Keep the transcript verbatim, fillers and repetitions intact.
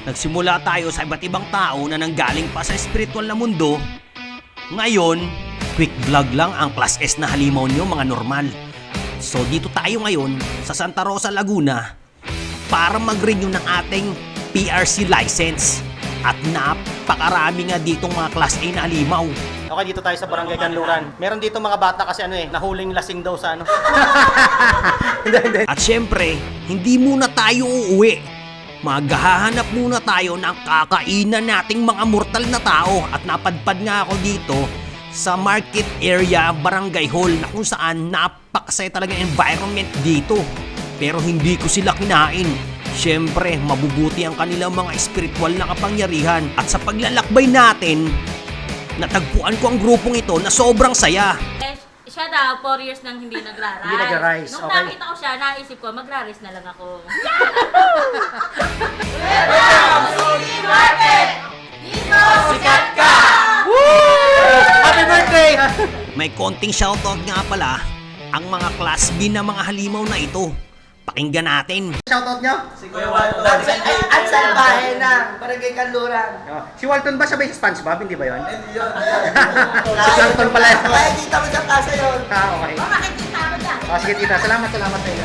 Nagsimula tayo sa iba't ibang tao na nanggaling pa sa spiritual na mundo. Ngayon, quick vlog lang ang Class S na halimaw nyo mga normal. So dito tayo ngayon sa Santa Rosa, Laguna para mag-renew ng ating P R C license. At napakarami nga ditong mga Class A na halimaw. Okay, dito tayo sa Barangay Kanluran. Meron dito mga bata kasi ano eh, nahuling lasing daw sa ano. Hindi, hindi. At syempre, hindi muna tayo uuwi. Maghahanap muna tayo ng kakainan nating mga mortal na tao. At napadpad nga ako dito sa market area Barangay Hall na kung saan napakasaya talaga ang environment dito. Pero hindi ko sila kinain. Siyempre, mabubuti ang kanilang mga espiritual na kapangyarihan. At sa paglalakbay natin, natagpuan ko ang grupong ito na sobrang saya. Eh, siya daw, four years nang hindi nagra-rise. Hindi nagra-rise, Nung okay. nakita ko siya, naisip ko, magra-rise na lang ako. Sikat ka! Woo! Happy birthday! May konting shoutout nga pala ang mga Class B na mga halimaw na ito. Pakinggan natin. Shoutout nyo? Si Kuya Walton. At salbahe na, Barangay Kanluran. Oh, si Walton ba sabay sa SpongeBob? Hindi ba yun? Hindi yun, hindi yun. Si Walton pala yun. Kaya kita mo sa kasa yun. Ah, okay. Makikita mo dyan. Oh, sige tita, salamat, salamat sa inyo.